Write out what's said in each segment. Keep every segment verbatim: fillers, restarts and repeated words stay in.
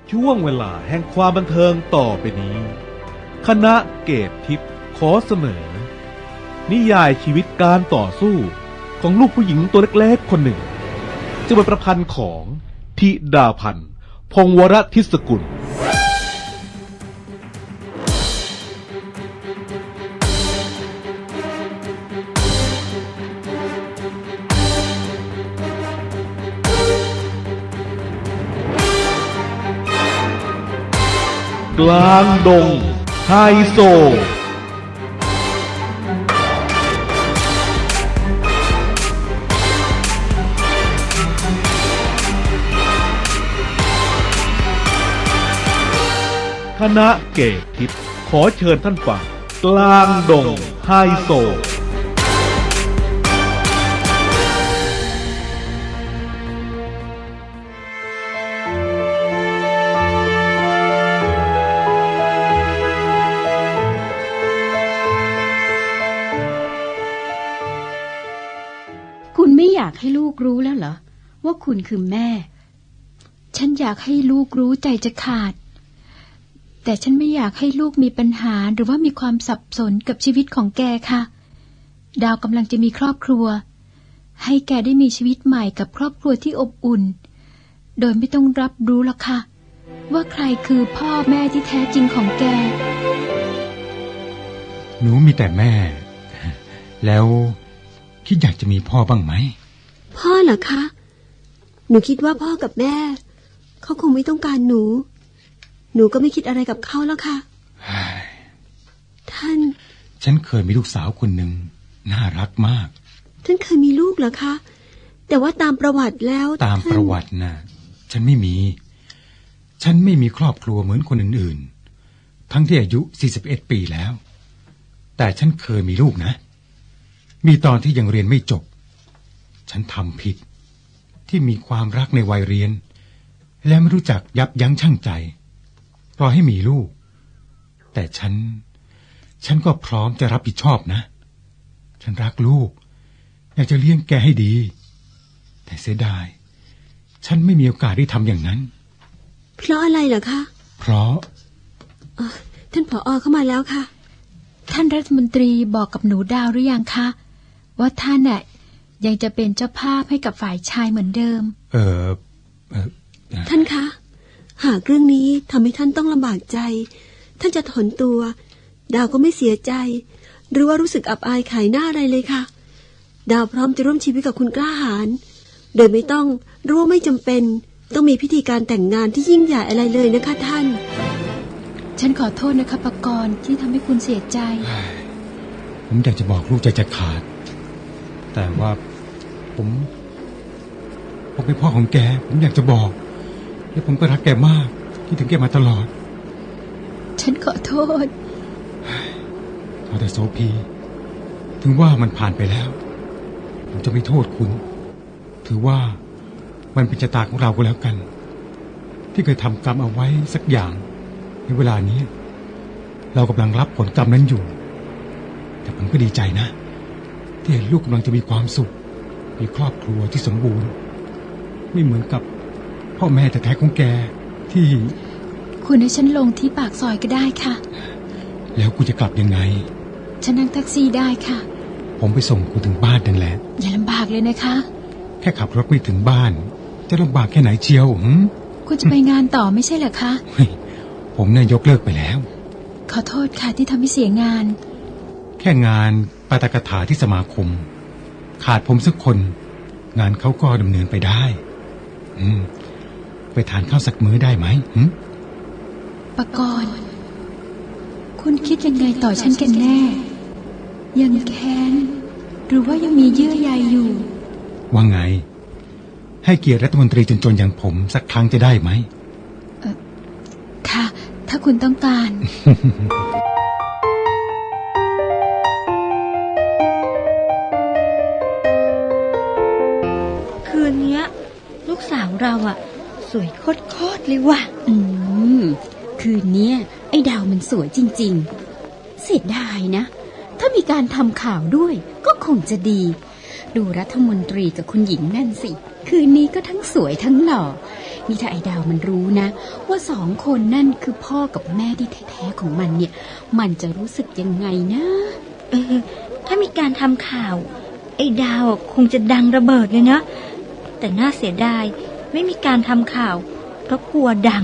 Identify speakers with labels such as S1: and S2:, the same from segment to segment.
S1: ช่วงเวลาแห่งความบันเทิงต่อไปนี้ คณะเกตทิพย์ขอเสนอ นิยายชีวิตการต่อสู้ของลูกผู้หญิงตัวเล็กๆคนหนึ่งจะเป็นประพันธ์ของธิดาพันธ์พงษ์วรทิศกุลกลางดงไฮโซคณะเกตทิพย์ขอเชิญท่านฟังกลางดงไฮโซ
S2: คุณไม่อยากให้ลูกรู้แล้วเหรอว่าคุณคือแม่ฉันอยากให้ลูกรู้ใจจะขาดแต่ฉันไม่อยากให้ลูกมีปัญหาหรือว่ามีความสับสนกับชีวิตของแกค่ะดาวกำลังจะมีครอบครัวให้แกได้มีชีวิตใหม่กับครอบครัวที่อบอุ่นโดยไม่ต้องรับรู้หรอกค่ะว่าใครคือพ่อแม่ที่แท้จริงของแก
S3: หนูมีแต่แม่แล้วคิดอยากจะมีพ่อบ้างไหม
S4: พ่อเหรอคะหนูคิดว่าพ่อกับแม่เขาคงไม่ต้องการหนูหนูก็ไม่คิดอะไรกับเขาแล้วค่ะท่าน
S3: ฉันเคยมีลูกสาวคนหนึ่งน่ารักมาก
S4: ท่านเคยมีลูกเหรอคะแต่ว่าตามประวัติแล้ว
S3: ตามประวัตินะฉันไม่มีฉันไม่มีครอบครัวเหมือนคนอื่นๆทั้งที่อายุสี่สิบเอ็ดปีแล้วแต่ฉันเคยมีลูกนะมีตอนที่ยังเรียนไม่จบฉันทำผิดที่มีความรักในวัยเรียนและไม่รู้จักยับยั้งชั่งใจรอให้มีลูกแต่ฉันฉันก็พร้อมจะรับผิดชอบนะฉันรักลูกอยากจะเลี้ยงแกให้ดีแต่เสียดายฉันไม่มีโอกาสได้ทำอย่างนั้น
S4: เพราะอะไรเหรอคะ
S3: เพราะ
S4: ท่านผอ.เข้ามาแล้วค่ะ
S2: ท่านรัฐมนตรีบอกกับหนูดาวหรือยังคะว่าท่านน่ะยังจะเป็นเจ้าภาพให้กับฝ่ายชายเหมือนเดิม
S3: เออเออ
S4: ท่านคะหากเรื่องนี้ทำให้ท่านต้องลำบากใจท่านจะถอนตัวดาวก็ไม่เสียใจหรือว่ารู้สึกอับอายขายหน้าอะไรเลยค่ะดาวพร้อมจะร่วมชีวิตกับคุณกล้าหาญโดยไม่ต้องรู้ว่าไม่จำเป็นต้องมีพิธีการแต่งงานที่ยิ่งใหญ่อะไรเลยนะคะท่าน
S2: ฉันขอโทษนะคะปกรณ์ที่ทำให้คุณเสียใจ
S3: ผมอยากจะบอกลูกใจจะขาดแต่ว่าผมผมเป็นพ่อของแกผมอยากจะบอกและผมก็รักแกมากที่ถึงแกมาตลอด
S2: ฉันขอโทษ
S3: ขอแต่โสภีถึงว่ามันผ่านไปแล้วผมจะไม่โทษคุณถือว่ามันเป็นชะตาของเราก็แล้วกันที่เคยทำกรรมเอาไว้สักอย่างในเวลานี้เรากำลังรับผลกรรมนั้นอยู่แต่ผมก็ดีใจนะที่เห็นลูกกำลังจะมีความสุขมีครอบครัวที่สมบูรณ์ไม่เหมือนกับพ่อแม่แต่แท้ของแกที่
S2: คุณให้ฉันลงที่ปากซอยก็ได้ค่ะ
S3: แล้วกูจะกลับยังไง
S2: ฉันนั่งแท็กซี่ได้ค่ะ
S3: ผมไปส่งคุณถึงบ้านนั่นแหละ
S2: อย่าลำบากเลยนะคะ
S3: แค่ขับรถไม่ถึงบ้านจะลำบากแค่ไหนเชียวหืม
S2: คุณจะไปงานต่อไม่ใช่เหรอคะ
S3: ผมเนี่ยยกเลิกไปแล้ว
S2: ขอโทษค่ะที่ทำให้เสียงาน
S3: แค่งานปาฐกถาที่สมาคมขาดผมสักคนงานเขาก็ดำเนินไปได้อืมไปทานข้าวสักมื้อได้ไหมหืม
S2: ปกรณ์คุณคิดยังไงต่อฉันกันแน่ยังแค้นหรือว่ายังมีเยื่อใยอยู่
S3: ว่าไงให้เกียรติรัฐมนตรีจนๆอย่างผมสักครั้งจะได้ไหม
S2: เออค่ะถ้าคุณต้องการ
S5: คืนนี้ลูกสาวเราอะสวยโคตรๆเลยว่ะ
S6: อืมคืนนี้ไอ้ดาวมันสวยจริงๆเสียดายนะถ้ามีการทำข่าวด้วยก็คงจะดี ดูรัฐมนตรีกับคุณหญิงนั่นสิคืนนี้ก็ทั้งสวยทั้งหล่อนี่ถ้าไอ้ดาวมันรู้นะว่าสองคนนั่นคือพ่อกับแม่ที่แท้ๆของมันเนี่ยมันจะรู้สึกยังไงนะ
S5: เออถ้ามีการทำข่าวไอ้ดาวคงจะดังระเบิดเลยนะแต่น่าเสียดายไม่มีการทำข่าวเพราะกลัวดัง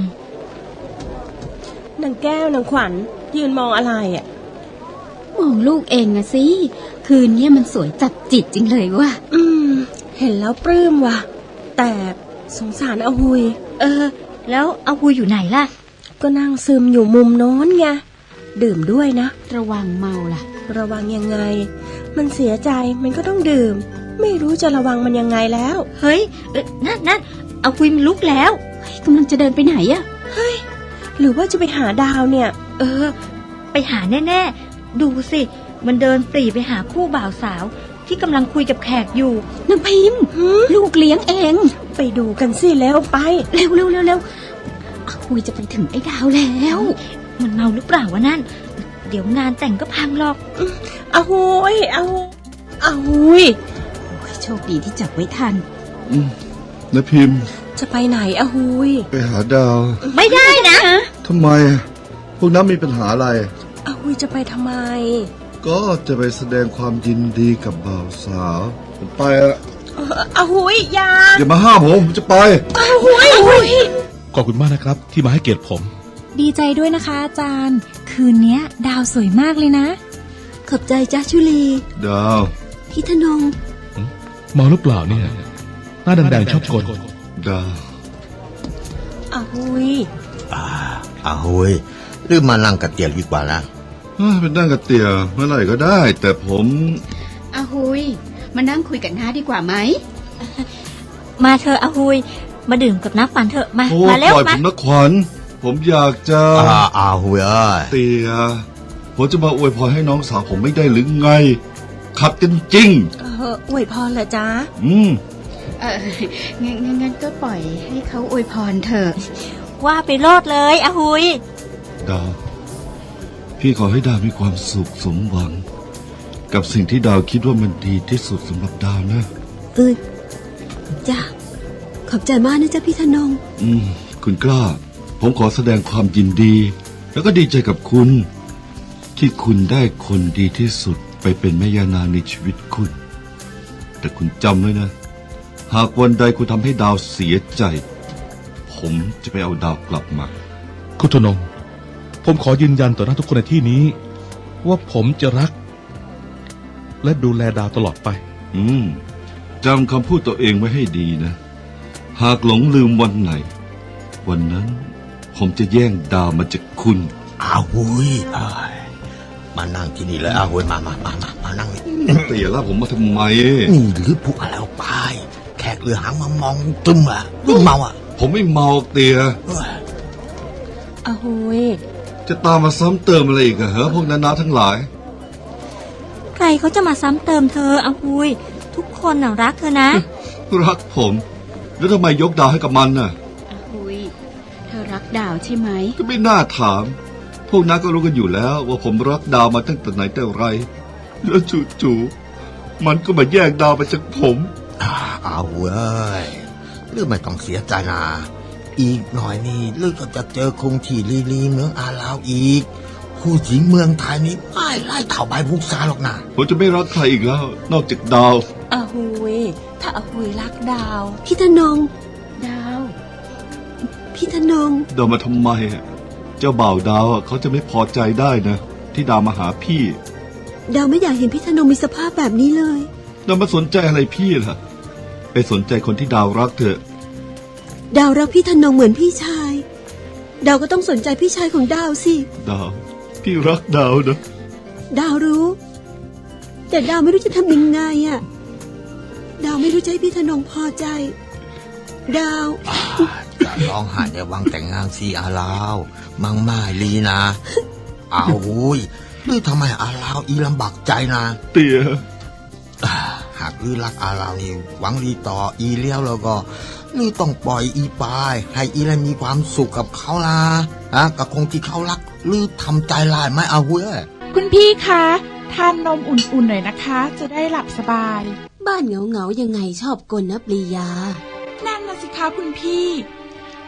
S7: นางแก้วนางขวัญยืนมองอะไรอ่ะ
S6: มองลูกเองอะสิคืนนี้มันสวยจับจิตจริงเลยว่ะ
S7: อืม เห็นแล้วปลื้มว่ะ แต่สงสารอาหุย
S5: เออ แล้วเอาหุยอยู่ไหนล่ะ
S7: ก็นั่งซึมอยู่มุมโน้นไงดื่มด้วยนะ
S6: ระวังเมาล่ะ
S7: ระวังยังไง มันเสียใจมันก็ต้องดื่ม ไม่รู้จะระวังมันยังไงแล้ว
S5: เฮ้ยเออนั่นนั่นเอาหุยมันลุกแล้ว
S6: เฮ้ยกำลังจะเดินไปไหนอะ
S7: หรือว่าจะไปหาดาวเนี่ย
S5: เออ ไปหาแน่ๆดูสิมันเดินปรีไปหาคู่บ่าวสาวที่กำลังคุยกับแขกอยู่
S6: นางพิมพ์ลูกเลี้ยงเอง
S7: ไปดูกันสิแล้วไป
S6: เร็วเร็วเร็วเร็วคุยจะไปถึงไอ้ดาวแล้ว
S5: มันเมาหรือเปล่าวะนั่น เดี๋ยวงานแต่งก็พังหรอก
S7: อาหุยอาหุยอาหุย
S6: โอ้ยโชคดีที่จับไว้ทัน
S8: อืมนะพิมพ์
S7: จะไปไหนอาหุย
S8: ไปหาดาว
S5: ไม่ได้นะ
S8: ทำไม พวกนั้นมีปัญหาอะไร
S7: อาหุยจะไปทำไม
S8: ก็จะไปแสดงความยินดีกับบ่าวสาว ผมไปอะ
S7: เอ่ออาหุยอยา
S8: อย่ามาห้ามผมผมจะไป
S7: อาหุยอาหุย
S1: ขอบคุณมากนะครับ ที่มาให้เกียรติผม
S9: ดีใจด้วยนะคะอาจารย์ คืนเนี้ยดาวสวยมากเลยนะ
S4: ขอบใจจ้าชุลี
S8: ดาว
S4: พี่ธนง
S1: เมาหรือเปล่าเนี่ย หน้าแดงๆชอบกล
S8: ดาว
S7: อาหุย
S10: อ่าอาหุยหรือมานั่งกับเตียดีกว่านะ
S8: เอ้ยเป็นนั่งกับเตี่ยเมื่อไหร่ก็ได้ แต่ผม
S6: อาหุยมานั่งคุยกันน้าดีกว่าไหม
S5: มาเธอะเอาหุยมาดื่มกับน้ำปั่นเถอะมา
S8: โอ้
S5: มาเร็ว
S8: ปล่อยผ
S5: มา
S8: มนะขวัญผมอยากจะ
S10: อ่าอาหุยเอ้ย
S8: เตี่ยผมจะมาอวยพรให้น้องสาวผมไม่ได้หรือไง ขัดกันจริง
S7: เอออวยพรเหรอจ๊ะ
S8: อืม
S6: เอองั้นงั้นงั้นก็ปล่อยให้เขาอวยพรเถอะ
S5: ว่าไปโลดเลยอาหุย
S8: ดาว พี่ขอให้ดาวมีความสุขสมหวัง กับสิ่งที่ดาวคิดว่ามันดีที่สุดสำหรับดาวนะ
S4: เออจ้าขอบใจมากนะจ๊ะพี่ธนง
S8: อืม คุณกล้า ผมขอแสดงความยินดี แล้วก็ดีใจกับคุณ ที่คุณได้คนดีที่สุดไปเป็นแม่ยานางในชีวิตคุณ แต่คุณจำไว้นะ หากวันใดคุณทำให้ดาวเสียใจ ผมจะไปเอาดาวกลับมา
S1: คุณธนง ผมขอยืนยันต่อหน้าทุกคนในที่นี้ ว่าผมจะรัก และดูแลดาวตลอดไป
S8: อืมจำคำพูดตัวเองไว้ให้ดีนะ หากหลงลืมวันไหน วันนั้น ผมจะแย่งดาวมาจากคุณ
S10: อาหุยเอ้ยมานั่งที่นี่เลยอาหุยมามามามามานั่งนี่
S8: เตี่ยล่าผมมาทำไม
S10: นี่หรือพวกอะไรเอาไป แขกเรือหางมามองตึมอ่ะตึมเมาอ่ะ
S8: ผมไม่เมาเตี่ย
S10: เอ้ย
S7: อาหุย
S8: จะตามมาซ้ำเติมอะไรอีกอะเหรอพวกนานาทั้งหลาย
S5: ใครเขาจะมาซ้ำเติมเธออาหุยทุกคนน่ะรักเธอนะ
S8: รักผม แล้วทำไมยกดาวให้กับมันน่ะ
S6: อาหุยเธอรักดาวใช่ไหม
S8: ก็ไม่น่าถาม พวกนั้นก็รู้กันอยู่แล้ว ว่าผมรักดาวมาตั้งแต่ไหนแต่ไร แล้วจู่ๆมันก็มาแย่งดาวไปจากผม
S10: อ่าอาหุยเอ้ยหรือไม่ต้องเสียใจนะอีกหน่อยนี่หรือก็จะเจอคงที่ลีลีเมืองอาลาวอีก ผู้หญิงเมืองไทยนี่ไม่ไล่เท่าใบพุกซาหรอกนะ
S8: ผมจะไม่รักใครอีกแล้ว นอกจากดาว
S7: อาหุยถ้าอาหุยรักดาว
S4: พี่ธนง
S6: ดาว
S4: พี่ธนง
S8: ดาวมาทำไมอะเจ้าบ่าวดาวอะเขาจะไม่พอใจได้นะ ที่ดาวมาหาพี่
S4: ดาวไม่อยากเห็นพี่ธนงมีสภาพแบบนี้เลย
S8: ดาวมาสนใจอะไรพี่ล่ะ ไปสนใจคนที่ดาวรักเถอะ
S4: ดาวรักพี่ธนงเหมือนพี่ชาย ดาวก็ต้องสนใจพี่ชายของดาวสิ
S8: ดาว พี่รักดาวนะ
S4: ดาวรู้ แต่ดาวไม่รู้จะทำยังไงอะดาวไม่รู้จะให้พี่ธนงพอใจ ดาว
S10: จะร้องไห้ในวังแต่งงานสีอาลาวมังไม่ลีนะอาหุยหรือทำไมอาลาวอีลำบากใจนะ
S8: เตี่ย
S10: อ่าหากลือรักอาลาวนี่หวังดีต่ออีเลี้ยวแล้วก็ลือต้องปล่อยอีปาย ให้อีแล้วมีความสุขกับเขาล่ะฮะกับคงที่เขารักลือทำใจลายไหมอาหุย
S9: คุณพี่คะทานนมอุ่นๆหน่อยนะคะ จะได้หลับสบาย
S4: บ้านเหงาๆยังไงชอบกลนะปรียา
S9: นั่นนะสิคะคุณพี่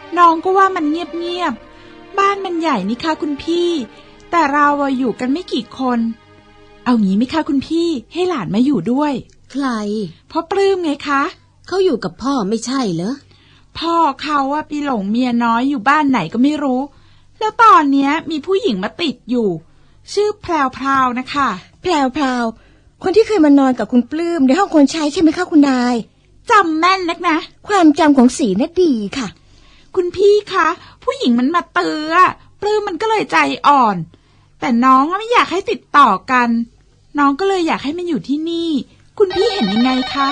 S9: น้องก็ว่ามันเงียบๆบ้านมันใหญ่นี่คะคุณพี่แต่เราอะอยู่กันไม่กี่คนเอางี้ไหมคะคุณพี่ให้หลานมาอยู่ด้วย
S6: ใคร
S9: พ่อปลื้มไงคะ
S6: เขาอยู่กับพ่อไม่ใช่เหรอ
S9: พ่อเขาอะไปหลงเมียน้อยอยู่บ้านไหนก็ไม่รู้แล้วตอนเนี้ยมีผู้หญิงมาติดอยู่ชื่อแพรวพราวนะคะ
S7: แพรวพราวคนที่เคยมานอนกับคุณปลื้มในห้องคนใช้ใช่ไหมคะคุณนาย
S9: จำแม่นนักนะ
S7: ความจำของสีน่ะดีค่ะ
S9: คุณพี่คะผู้หญิงมันมาเตือปลื้มมันก็เลยใจอ่อนแต่น้องไม่อยากให้ติดต่อกันน้องก็เลยอยากให้มันอยู่ที่นี่คุณพี่เห็นยังไงคะ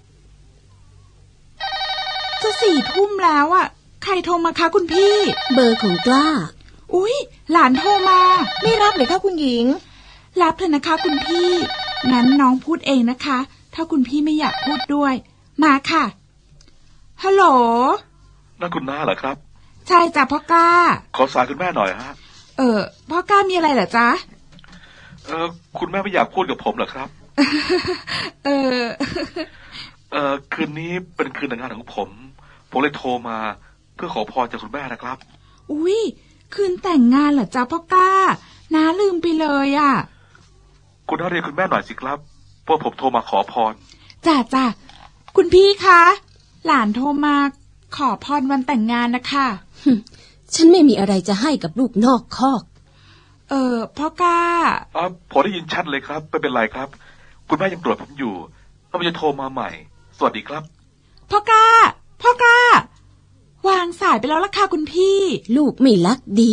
S9: จะสี่ทุ่มแล้วอ่ะใครโทรมาคะคุณพี่
S6: เบอร์ของกล้า
S9: อุ๊ยหลานโทรมา
S7: ไม่รับเลยค่ะคุณหญิง
S9: รับเถอะนะคะคุณพี่งั้นน้องพูดเองนะคะถ้าคุณพี่ไม่อยากพูดด้วยมาค่ะฮัลโหล
S11: นั่นคุณน้าเหรอครับ
S9: ใช่จ้ะพ่อกล้า
S11: ขอสายคุณแม่หน่อยฮะ
S9: เออพ่อกล้ามีอะไรเหรอจ๊ะ
S11: เออคุณแม่ไม่อยากพูดกับผมเหรอครับ
S9: เออ
S11: เออคืนนี้เป็นคืนแต่งงานของผมผมเลยโทรมาเพื่อขอพรจากคุณแม่นะครับ
S9: อุ๊ยคืนแต่งงานเหรอจ๊ะพ่อกล้าน้าลืมไปเลยอ่ะ
S11: คุณน้าเรียกคุณแม่หน่อยสิครับเพราะผมโทรมาขอพร
S9: จ้ะจ้ะคุณพี่คะหลานโทรมาขอพรวันแต่งงานนะคะ
S6: ฉันไม่มีอะไรจะให้กับลูกนอกคอก
S9: เออพ่อกล้า
S11: อ๋อผมได้ยินชัดเลยครับไม่เป็นไรครับคุณแม่ยังโกรธผมอยู่แล้วผมจะโทรมาใหม่สวัสดีครับ
S9: พ่อกล้าพ่อกล้าวางสายไปแล้วล่ะค่ะคุณพี่
S6: ลูกไม่รักดี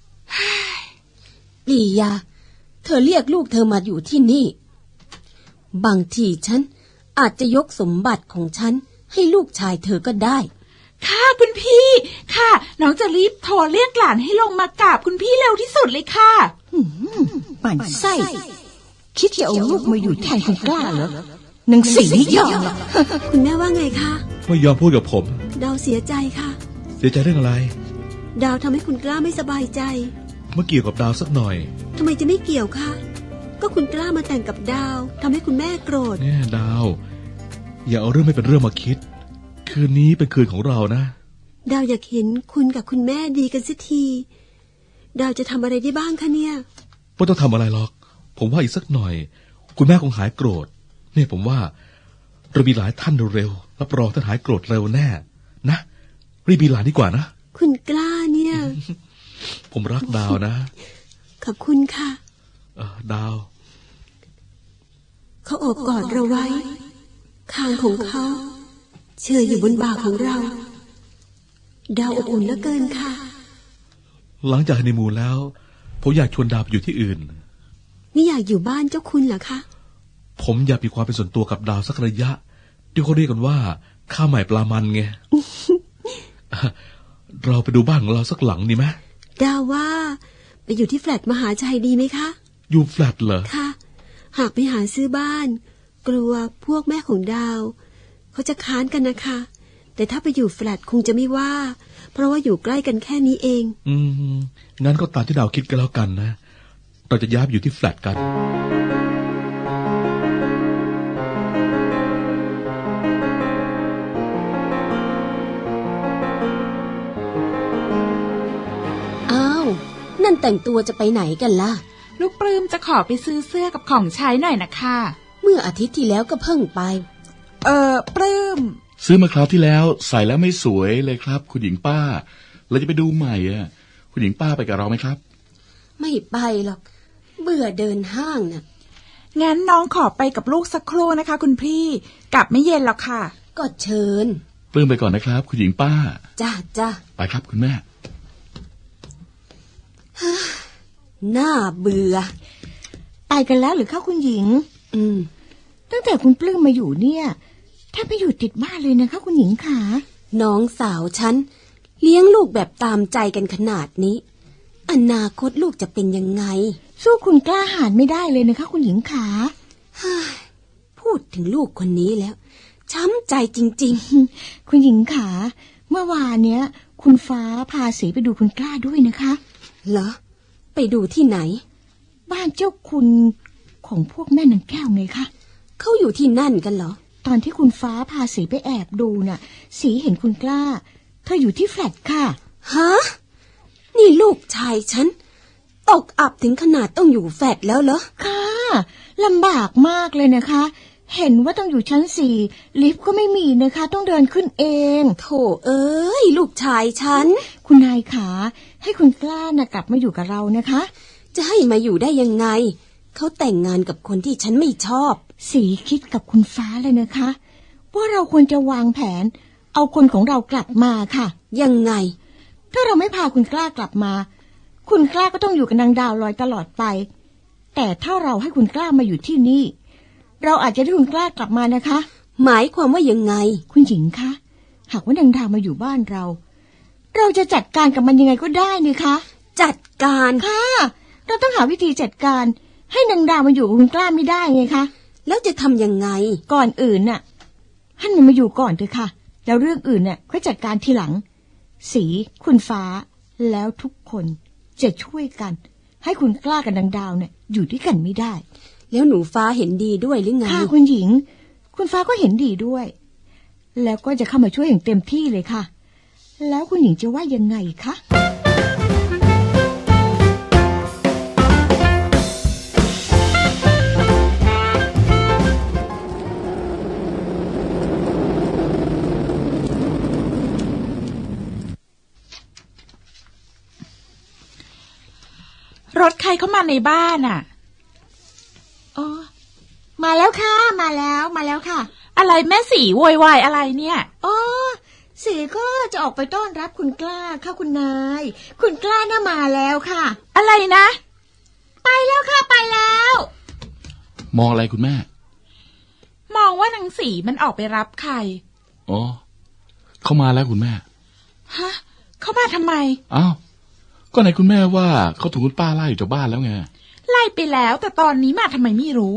S6: ปรียาเธอเรียกลูกเธอมาอยู่ที่นี่บางทีฉันอาจจะยกสมบัติของฉันให้ลูกชายเธอก็ได้
S9: ค่ะคุณพี่ค่ะน้องจะรีบโทรเรียกหลานให้ลงมากราบคุณพี่เร็วที่สุดเลยค่ะ
S7: ปั่นไส้คิดจะเอาลูกมาอยู่แทนคุณกล้าเหรอหนังสีไม่ยอมหรอก
S4: คุณแม่ว่าไงคะ
S1: ไม่ยอมพูดกับผม
S4: ดาวเสียใจค่ะ
S1: เสียใจเรื่องอะไร
S4: ดาวทำให้คุณกล้าไม่สบายใจ
S1: เมื่อเกี่ยวกับดาวสักหน่อย
S4: ทำไมจะไม่เกี่ยวคะก็คุณกล้ามาแต่งกับดาวทำให้คุณแม่โกรธ
S1: เนี่ยดาวอย่าเอาเรื่องไม่เป็นเรื่องมาคิดคืนนี้เป็นคืนของเรานะ
S4: ดาวอยากเห็นคุณกับคุณแม่ดีกันสักทีดาวจะทำอะไรได้บ้างคะเนี่ย
S1: ไม่ต้องทำอะไรหรอกผมว่าอีกสักหน่อยคุณแม่คงหายโกรธเนี่ยผมว่าเรามีหลายท่านเร็วๆรับรองท่านหายโกรธเร็วแน่นะรีบมีหลานดีกว่านะ
S4: คุณกล้าเนี่ย
S1: ผมรักดาวนะ
S4: ขอบคุณค่ะ
S1: เออดาว
S4: เขาโอบกอดเราไว้คางของเขาเชื่ออยู่บนบ่าของเราดาวอบอุ่นเหลือเกินค่ะ
S1: หลังจากฮันนีมูนแล้วผมอยากชวนดาวไปอยู่ที่อื่น
S4: นี่อยากอยู่บ้านเจ้าคุณเหรอคะ
S1: ผมอยากมีความเป็นส่วนตัวกับดาวสักระยะที่เขาเรียกกันว่าข้าวใหม่ปลามันไง เราไปดูบ้านของเราสักหลังดีไหม
S4: ดาวว่าไปอยู่ที่แฟลตมหาชัยดีไหมคะ
S1: อยู่แฟลตเหรอ
S4: ค่ะหากไปหาซื้อบ้านกลัวพวกแม่ของดาวเขาจะค้านกันนะคะแต่ถ้าไปอยู่แฟลตคงจะไม่ว่าเพราะว่าอยู่ใกล้กันแค่นี้เอง
S1: อืมงั้นก็ตามที่ดาวคิดกันแล้วกันนะเราจะย้ายอยู่ที่แฟลตกัน
S6: อ้าวนั่นแต่งตัวจะไปไหนกันล่ะ
S9: ลูกปลื้มจะขอไปซื้อเสื้อกับของใช้หน่อยนะคะ
S6: เมื่ออาทิตย์ที่แล้วก็เพิ่งไป
S9: เออปลื้ม
S8: ซื้อมาคราวที่แล้วใส่แล้วไม่สวยเลยครับคุณหญิงป้าเราจะไปดูใหม่อ่ะคุณหญิงป้าไปกับเราไหมครับ
S6: ไม่ไปหรอกเบื่อเดินห้างน่ะ
S9: งั้นน้องขอไปกับลูกสักครู่นะคะคุณพี่กลับไม่เย็นหรอกค่ะ
S6: ก็เชิญ
S8: ปลื้มไปก่อนนะครับคุณหญิงป้า
S6: จ้าจ้า
S8: ไปครับคุณแม่
S6: น่าเบื่อ
S7: ไปกันแล้วหรือคะคุณหญิง
S6: อืม
S7: ตั้งแต่คุณปลื้มมาอยู่เนี่ยถ้าไปอยู่ติดบ้านเลยนะคะคุณหญิงขา
S6: น้องสาวฉันเลี้ยงลูกแบบตามใจกันขนาดนี้อนาคตลูกจะเป็นยังไง
S7: สู้คุณกล้าหาญไม่ได้เลยนะคะคุณหญิงขา
S6: พูดถึงลูกคนนี้แล้วช้ำใจจริง
S7: ๆคุณหญิงขาเมื่อวานเนี้ยคุณฟ้าพาสีไปดูคุณกล้าด้วยนะคะ
S6: เหรอไปดูที่ไหน
S7: บ้านเจ้าคุณของพวกแม่นางแก้วไงคะ
S6: เขาอยู่ที่นั่นกันเหรอ
S7: ตอนที่คุณฟ้าพาสีไปแอบดูน่ะสีเห็นคุณกล้าเธออยู่ที่แฟลตค่ะ
S4: ฮะ นี่ลูกชายฉันตกอับถึงขนาดต้องอยู่แฟลตแล้วเหรอ
S7: ค่ะลำบากมากเลยนะคะ เห็นว่าต้องอยู่ชั้นสี่ลิฟต์ก็ไม่มีนะคะ ต้องเดินขึ้นเอง
S4: โถเอ้ยลูกชายฉัน
S7: คุณนายขาให้คุณกล้านะกลับมาอยู่กับเรานะคะ
S4: จะให้มาอยู่ได้ยังไงเขาแต่งงานกับคนที่ฉันไม่ชอบ
S7: สีคิดกับคุณฟ้าเลยนะคะว่าเราควรจะวางแผนเอาคนของเรากลับมาค่ะ
S4: ยังไง
S7: ถ้าเราไม่พาคุณกล้ากลับมาคุณกล้าก็ต้องอยู่กับนางดาวลอยตลอดไปแต่ถ้าเราให้คุณกล้ามาอยู่ที่นี่เราอาจจะได้คุณกล้ากลับมานะคะ
S4: หมายความว่ายังไง
S7: คุณหญิงคะหากว่านางดาวมาอยู่บ้านเราเราจะจัดการกับมันยังไงก็ได้นี่คะ
S4: จัดการ
S7: ค่ะเราต้องหาวิธีจัดการให้นางดาวมาอยู่กับคุณกล้าไม่ได้ไงคะ
S4: แล้วจะทำยังไง
S7: ก่อนอื่นน่ะให้มันมาอยู่ก่อนเถอะค่ะแล้วเรื่องอื่นน่ะค่อยจัดการทีหลังสีคุณฟ้าแล้วทุกคนจะช่วยกันให้คุณกล้ากับนางดาวเนี่ยอยู่ด้วยกันไม่ได้
S4: แล้วหนูฟ้าเห็นดีด้วยหรือไง
S7: ค่ะคุณหญิงคุณฟ้าก็เห็นดีด้วยแล้วก็จะเข้ามาช่วยอย่างเต็มที่เลยค่ะแล้วคุณหญิงจะว่ายังไงคะ
S9: รถใครเข้ามาในบ้านอ่ะ
S7: อ๋อมาแล้วค่ะมาแล้วมาแล้วค่ะ
S9: อะไรแม่สีโวยวายอะไรเนี่ย
S7: อ๋อสีก็จะออกไปต้อนรับคุณกล้าค่ะคุณนายคุณกล้าน่ะมาแล้วค่ะ
S9: อะไรนะ
S7: ไปแล้วค่ะไปแล้ว
S11: มองอะไรคุณแม่
S9: มองว่านางสีมันออกไปรับใคร
S11: อ๋อเขามาแล้วคุณแม่
S9: ฮะเขามาทำไม
S11: อ้าวก็ไหนคุณแม่ว่าเขาถูกคุณป้าไล่อยู่จากบ้านแล้วไง
S9: ไล่ไปแล้วแต่ตอนนี้มาทำไมไม่รู้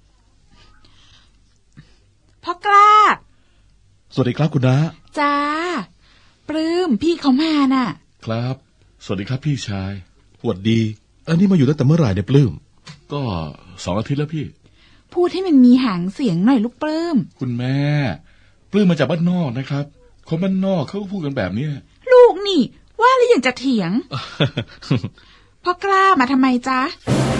S9: พ่อกล้า
S1: สวัสดีครับคุณน้า
S9: จ้าปลื้มพี่เขามาน่ะ
S11: ครับสวัสดีครับพี่ชาย
S1: สวัสดีอันนี้มาอยู่ตั้งแต่เมื่อไหร่เนี่ยปลื้ม
S11: ก็สองอาทิตย์แล้วพี่
S9: พูดให้มันมีหางเสียงหน่อยลูกปลื้ม
S11: คุณแม่ปลื้มมาจากบ้านนอกนะครับคนบ้านนอกเขาก็พูดกันแบบนี้
S9: ลูกนี่ว่าแล้วยังจะเถียง พ่อกล้ามาทำไมจ๊ะ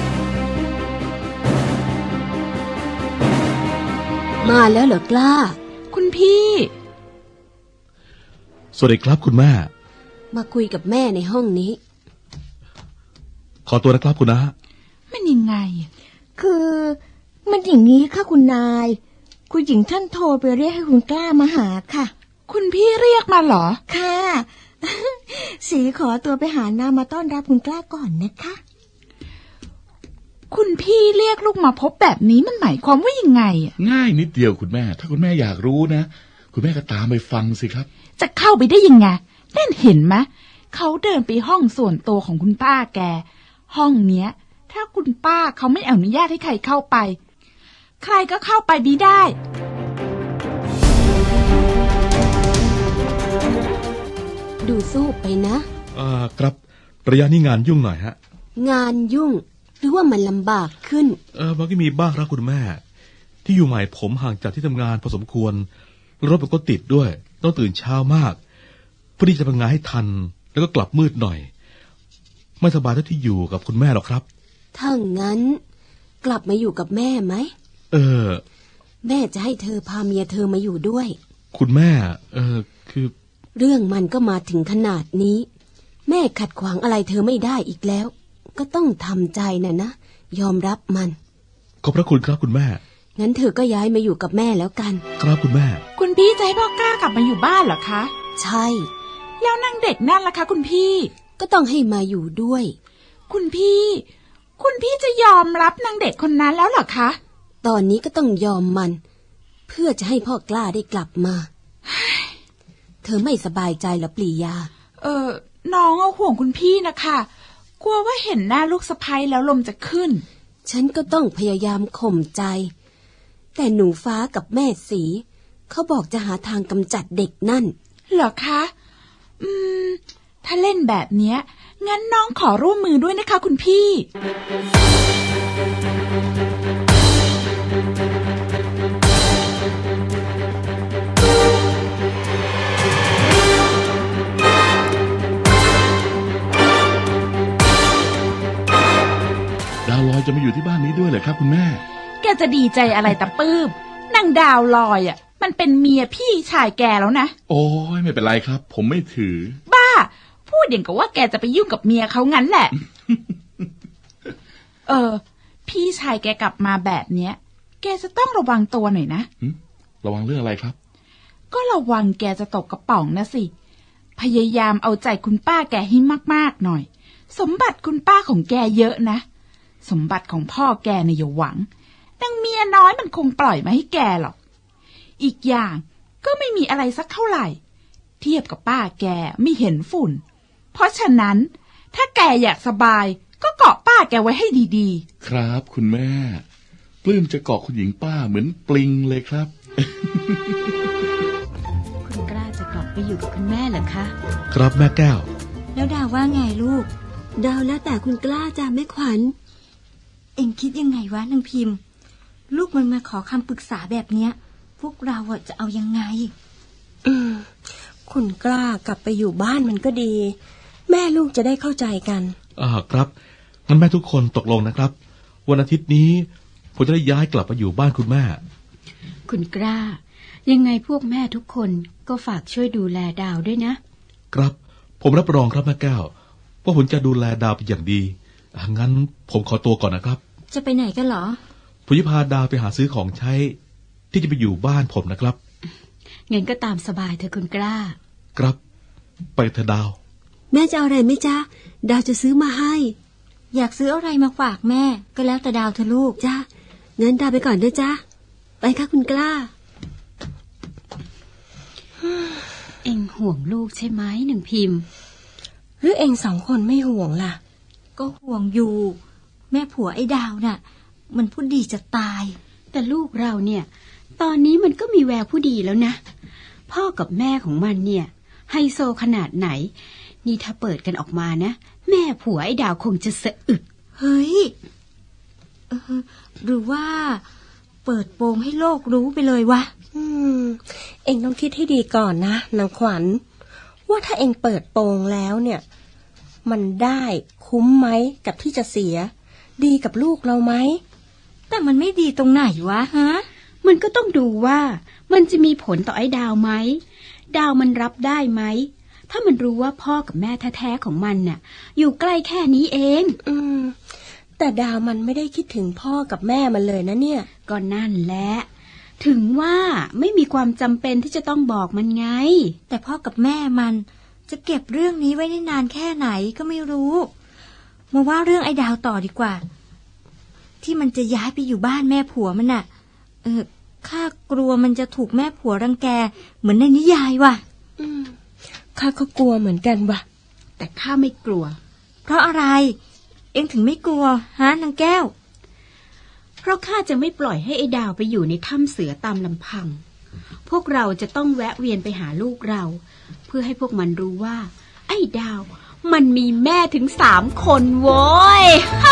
S4: มาแล้วเหรอกล้า
S9: คุณพี่
S1: สวัสดีครับคุณแม่
S4: มาคุยกับแม่ในห้องนี้
S1: ขอตัวนะครับคุณน้า
S9: มันยังไง
S7: คือมันอย่างนี้ค่ะคุณนายคุณหญิงท่านโทรไปเรียกให้คุณกล้ามาหาค่ะ
S9: คุณพี่เรียกมาเหรอ
S7: ค่ะสีขอตัวไปหาน้ามาต้อนรับคุณกล้าก่อนนะคะ
S9: คุณพี่เรียกลูกมาพบแบบนี้มันหมายความว่ายังไงอ่ะ
S11: ง่ายนิดเดียวคุณแม่ถ้าคุณแม่อยากรู้นะคุณแม่ก็ตามไปฟังสิครับ
S9: จะเข้าไปได้ยังไงนั่นเห็นไหมเขาเดินไปห้องส่วนตัวของคุณป้าแกห้องเนี้ยถ้าคุณป้าเขาไม่อนุญาตให้ใครเข้าไปใครก็เข้าไปไม่ได้
S4: ดูสู้ไปนะ
S1: อ่าครับระยะนี้งานยุ่งหน่อยฮะ
S4: งานยุ่งหรือว่ามันลำบากขึ้น
S1: เออมันก็มีบ้างครับคุณแม่ที่อยู่ใหม่ผมห่างจากที่ทำงานพอสมควรรถมันก็ติดด้วยต้องตื่นเช้ามากเพื่อที่จะทำงานให้ทันแล้วก็กลับมืดหน่อยไม่สบายเท่าที่อยู่กับคุณแม่หรอกครับ
S4: ถ้างั้นกลับมาอยู่กับแม่ไหม
S1: เออ
S4: แม่จะให้เธอพาเมียเธอมาอยู่ด้วย
S1: คุณแม่เออคือ
S4: เรื่องมันก็มาถึงขนาดนี้แม่ขัดขวางอะไรเธอไม่ได้อีกแล้วก็ต้องทำใจน่ะนะยอมรับมัน
S1: ขอบพระคุณครับคุณแม่
S4: งั้นเธอก็ย้ายมาอยู่กับแม่แล้วกัน
S1: ครับคุณแม่
S9: คุณพี่จะให้พ่อกล้ากลับมาอยู่บ้านเหรอคะ
S4: ใช่
S9: แล้วนางเด็กนั่นล่ะคะคุณพี่
S4: ก็ต้องให้มาอยู่ด้วย
S9: คุณพี่คุณพี่จะยอมรับนางเด็กคนนั้นแล้วเหรอคะ
S4: ตอนนี้ก็ต้องยอมมันเพื่อจะให้พ่อกล้าได้กลับมาเธอไม่สบายใจหรอปลียา
S9: เออน้องเอาห่วงคุณพี่นะคะกลัวว่าเห็นหน้าลูกสะใภ้แล้วลมจะขึ้น
S4: ฉันก็ต้องพยายามข่มใจแต่หนูฟ้ากับแม่สีเขาบอกจะหาทางกำจัดเด็กนั่น
S9: เหรอคะอืมถ้าเล่นแบบเนี้ยงั้นน้องขอร่วมมือด้วยนะคะคุณพี่
S8: จะมาอยู่ที่บ้านนี้ด้วยเหรอครับคุณแม่
S9: แกจะดีใจอะไรตะปื้มนางดาวลอยอ่ะมันเป็นเมียพี่ชายแกแล้วนะ
S8: โอ้ยไม่เป็นไรครับ ผมไม่ถือ
S9: บ้าพูดอย่างกับว่าแกจะไปยุ่งกับเมียเขางั้นแหละ เออพี่ชายแกกลับมาแบบเนี้ยแกจะต้องระวังตัวหน่อยนะ
S8: ระวังเรื่องอะไรครับ
S9: ก็ระวังแกจะตกกระป๋องนะสิพยายามเอาใจคุณป้าแกให้มากๆหน่อยสมบัติคุณป้าของแกเยอะนะสมบัติของพ่อแกเนี่ยอย่าหวังนางเมียน้อยมันคงปล่อยมาให้แกหรอกอีกอย่างก็ไม่มีอะไรสักเท่าไหร่เทียบกับป้าแกไม่เห็นฝุ่นเพราะฉะนั้นถ้าแกอยากสบายก็เกาะป้าแกไว้ให้ดีๆ
S8: ครับคุณแม่ปลื้มจะเกาะคุณหญิงป้าเหมือนปลิงเลยครับ
S2: คุณกล้าจะกลับไปอยู่กับคุณแม่เหรอคะ
S1: ครับแม่แก้ว
S5: แล้วดาวว่าไงลูก
S4: ดาวแล้วแต่คุณกล้าจ้ะแม่ขวัญ
S5: เอ็งคิดยังไงวะนางพิมพ์ลูกมันมาขอคำปรึกษาแบบเนี้ยพวกเราอะจะเอายังไง
S7: อืมคุณกล้ากลับไปอยู่บ้านมันก็ดี แม่ลูกจะได้เข้าใจกัน
S1: อ่าครับงั้นแม่ทุกคนตกลงนะครับวันอาทิตย์นี้ผมจะได้ย้ายกลับมาอยู่บ้านคุณแม่
S2: คุณกล้ายังไงพวกแม่ทุกคนก็ฝากช่วยดูแลดาวด้วยนะครับ
S1: ผมรับรองครับแม่แก้วว่าผมจะดูแลดาวเป็นอย่างดีอ่ะงั้นผมขอตัวก่อนนะครับ
S5: จะไปไหนกันเหรอ
S1: ผมจะพาดาวไปหาซื้อของใช้ที่จะไปอยู่บ้านผมนะครับ
S2: งั้นก็ตามสบายเถอะคุณกล้า
S1: ครับไปเถอะดาว
S4: แม่จะเอาอะไรไหมจ๊ะดาวจะซื้อมาให้
S5: อยากซื้ออะไรมาฝากแม่ก็แล้วแต่ดาวเธอลูก
S4: จ้ะงั้นดาวไปก่อนนะจ๊ะไปค่ะคุณกล้า
S2: เอ็งห่วงลูกใช่ไหมหนึ่งพิมพ์
S7: หรือเอ็งสองคนไม่ห่วงล่ะ
S5: ก็ห่วงอยู่แม่ผัวไอ้ดาวน่ะมันพูดดีจะตาย
S2: แต่ลูกเราเนี่ยตอนนี้มันก็มีแววผู้ดีแล้วนะพ่อกับแม่ของมันเนี่ยไฮโซขนาดไหนนี่ถ้าเปิดกันออกมานะแม่ผัวไอ้ดาวคงจะสะอึก
S5: เฮ้ยเออหรือว่าเปิดโปงให้โลกรู้ไปเลยวะ
S7: อืมเอ็งต้องคิดให้ดีก่อนนะนางขวัญว่าถ้าเอ็งเปิดโปงแล้วเนี่ยมันได้คุ้มไหมกับที่จะเสียดีกับลูกเราไหม
S5: แต่มันไม่ดีตรงไหนวะฮะ
S2: มันก็ต้องดูว่ามันจะมีผลต่อไอ้ดาวไหมดาวมันรับได้ไหมถ้ามันรู้ว่าพ่อกับแม่แท้ๆของมันน่ะอยู่ใกล้แค่นี้เอง
S7: อืมแต่ดาวมันไม่ได้คิดถึงพ่อกับแม่มันเลยนะเนี่ย
S2: ก็นั่นแหละถึงว่าไม่มีความจำเป็นที่จะต้องบอกมันไง
S5: แต่พ่อกับแม่มันจะเก็บเรื่องนี้ไว้ได้นานแค่ไหนก็ไม่รู้มาว่าเรื่องไอ้ดาวต่อดีกว่าที่มันจะย้ายไปอยู่บ้านแม่ผัวมันน่ะเออข้ากลัวมันจะถูกแม่ผัวรังแกเหมือนในนิยายว่ะ
S7: อืมข้าก็กลัวเหมือนกันว่ะ
S2: แต่ข้าไม่กลัว
S5: เพราะอะไรเอ็งถึงไม่กลัวฮะนางแก้ว
S2: เพราะข้าจะไม่ปล่อยให้ไอ้ดาวไปอยู่ในถ้ำเสือตามลำพังพวกเราจะต้องแวะเวียนไปหาลูกเราเพื่อให้พวกมันรู้ว่าไอ้ดาวมันมีแม่ถึงสามคนโว้ย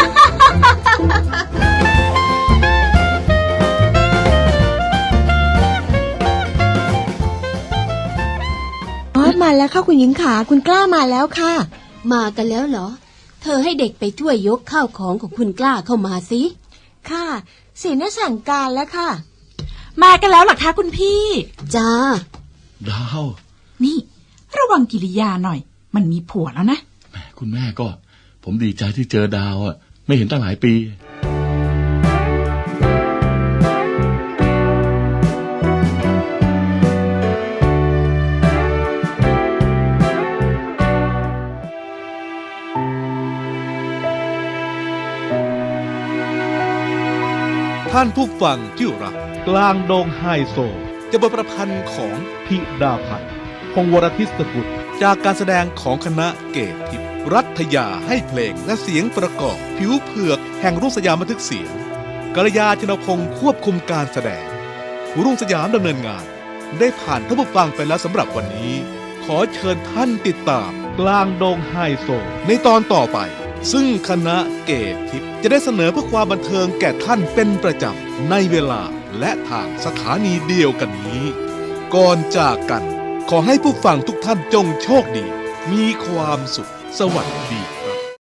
S7: อ๋อมาแล้วค่ะคุณหญิงขาคุณกล้ามาแล้วค่ะ
S6: มากันแล้วเหรอเธอให้เด็กไปช่วยยกข้าวของของคุณกล้าเข้ามาสิ
S7: ค่ะเสียน่าสั่งการแล้วค่ะ
S9: มากันแล้วหรอคะคุณพี่
S6: จ้า
S8: ดาว
S9: นี่ระวังกิริยาหน่อยมันมีผัวแล้วนะ
S8: แม่คุณแม่ก็ผมดีใจที่เจอดาวอ่ะไม่เห็นตั้งหลายปี
S1: ท่านผู้ฟังที่รักกลางดงไฮโซจะบทประพันธ์ของพิดาพันธ์พงศ์วรทิศกุลจากการแสดงของคณะเกตทิพย์รัฐยาให้เพลงและเสียงประกอบผิวเผือกแห่งรุ่งสยามบันทึกเสียงกัลยาชนพงศ์ควบคุมการแสดงรุ่งสยามดำเนินงานได้ผ่านท่านผู้ฟังไปแล้วสำหรับวันนี้ขอเชิญท่านติดตามกลางดงไฮโซในตอนต่อไปซึ่งคณะเกตทิพย์จะได้เสนอเพื่อความบันเทิงแก่ท่านเป็นประจำในเวลาและทางสถานีเดียวกันนี้ก่อนจากกันขอให้ผู้ฟังทุกท่านจงโชคดีมีความสุขสวัสดี